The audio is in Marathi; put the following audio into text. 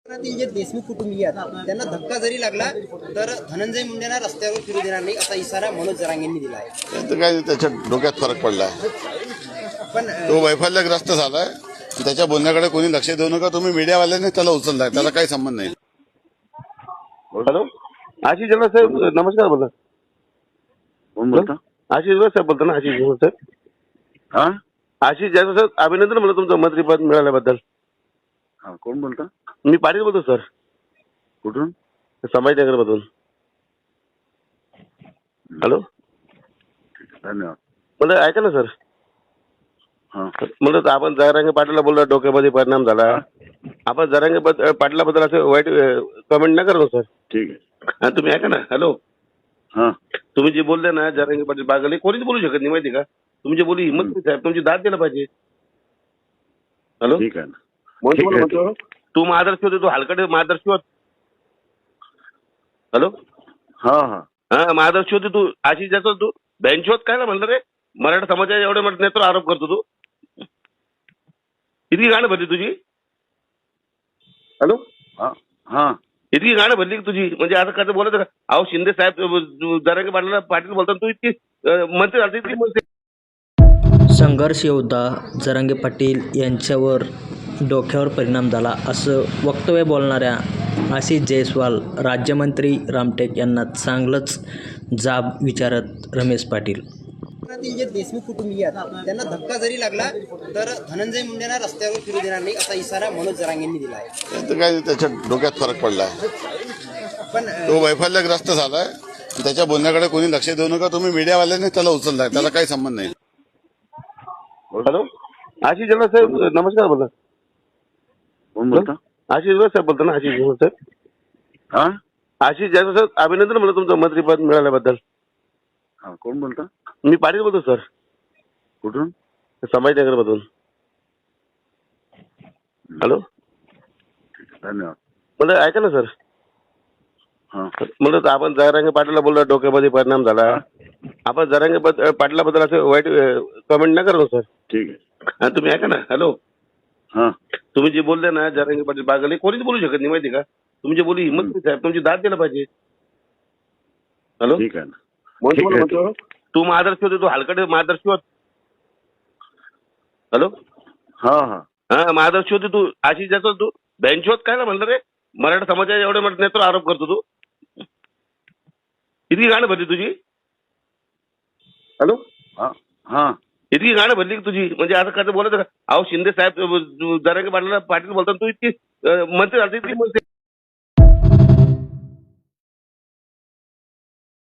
कोकणातील जे देशमुख कुटुंबीय आहेत त्यांना धक्का जरी लागला तर धनंजय मुंडेंना रस्त्यावर फिरू देणार नाही असा इशारा मनोज जरांगेंनी दिला आहे. तर काय त्याच्या डोक्यात फरक पडलाय, पण तो वैफल्यग्रस्त झालाय. त्याच्या बोलण्याकडे कोणी लक्ष देऊ नका. तुम्ही मीडियावाल्यांनी त्याला उचललाय, त्याला काही संबंध नाही. हॅलो, आशिष जगनाथ साहेब नमस्कार. बोला. कोण बोलता? आशिष जगनाथ साहेब बोलतो ना. आशिष जगनाथ साहेब. हा आशिष जगनाथ साहेब, अभिनंदन म्हणलं तुमचं मंत्रीपद मिळाल्याबद्दल. हा, कोण बोलता? मी पाटील बोलतो सर, कुठून? संभाजीनगर मधून. हॅलो, धन्यवाद. म्हणलं ऐका ना सर. हा म्हणलं आपण जरांगे पाटलाला बोललो डोक्यामध्ये परिणाम झाला. आपण जरांगे पाटलाबद्दल असं वाईट कमेंट नाही करा सर. ठीक आहे. आणि तुम्ही ऐका ना. हॅलो, हा तुम्ही जे बोलले ना जरांगे पाटील बागले, कोणीच बोलू शकत नाही माहिती का. तुमची बोली हिंमत नाही साहेब, तुमची दाद द्यायला पाहिजे. हॅलो, ठीक आहे ना. म्हणून ठीक तुम्हाला आहे. म्हणतो, तू महादर्शी होते, तू हलकटे महादर्शी होत. हॅलो, हा हा हा महादर्शी होते तू. आशिष जातो तू बेंच होत काय ना म्हणलं रे. मराठा समाजाच्या एवढे मोठे नेत्र आरोप करतो तू. इतकी गाणं भरली तुझी. हॅलो, हा हा इतकी गाणं भरली तुझी, म्हणजे आता कसं बोलायचं का. अहो शिंदे साहेब जरांगे पाटील बोलतात, तू इतकी मंत्री झाली इतकी मंत्री. संघर्ष योद्धा जरांगे पाटील यांच्यावर डोक्यावर परिणाम झाला असं वक्तव्य बोलणाऱ्या आशिष जयस्वाल राज्यमंत्री रामटेक यांना चांगलंच जाब विचारत रमेश पाटील. कोकणातील जे देशमुख कुटुंबीय आहेत त्यांना धक्का जरी लागला तर धनंजय मुंडेंना रस्त्यावर फिरू देणार नाही असा इशारा मनोज जरांगेंनी दिला आहे. तर काय त्याच्या डोक्यात फरक पडलाय, पण तो वैफल्यग्रस्त झालाय. त्याच्या बोलण्याकडे कोणी लक्ष देऊ नका. तुम्ही मीडियावाल्यांनी त्याला उचललाय, त्याला काही संबंध नाही. हॅलो, आशिष जगनाथ साहेब नमस्कार. बोला. कोण बोलता? आशिष जगनाथ साहेब बोलतो ना. आशिष जगनाथ साहेब. हा आशिष जगनाथ साहेब, अभिनंदन म्हणलं तुमचं मंत्रीपद मिळाल्याबद्दल. हा, कोण बोलता? मी पाटील बोलतो सर, कुठून? संभाजीनगर मधून. हॅलो, धन्यवाद. म्हणलं ऐका ना सर. हा म्हणलं आपण जरांगे पाटलाला बोललो डोक्यामध्ये परिणाम झाला. आपण जरांगे पाटलाबद्दल असं वाईट कमेंट नाही करा सर. ठीक आहे. आणि तुम्ही ऐका ना. हॅलो, हा तुम्ही जे बोलले ना जरांगे पाटील बागले, कोणीच बोलू शकत नाही माहिती का. तुमची बोली हिंमत नाही साहेब, तुमची दाद द्यायला पाहिजे. हॅलो, ठीक आहे ना. म्हणून ठीक तुम्हाला आहे. म्हणतो, तू महादर्शी होते, तू हलकटे महादर्शी होत. हॅलो, हा हा हा महादर्शी होते तू. आशिष जातो तू बेंच होत काय ना म्हणलं रे. मराठा समाजाच्या एवढे मोठे नेत्र आरोप करतो तू. इतकी गाणं भरली तुझी. हॅलो, हा हा इतकी गाणं भरली तुझी, म्हणजे आता कसं बोलायचं का. अहो शिंदे साहेब जरांगे पाटील बोलतात, तू इतकी मंत्री झाली इतकी मंत्री.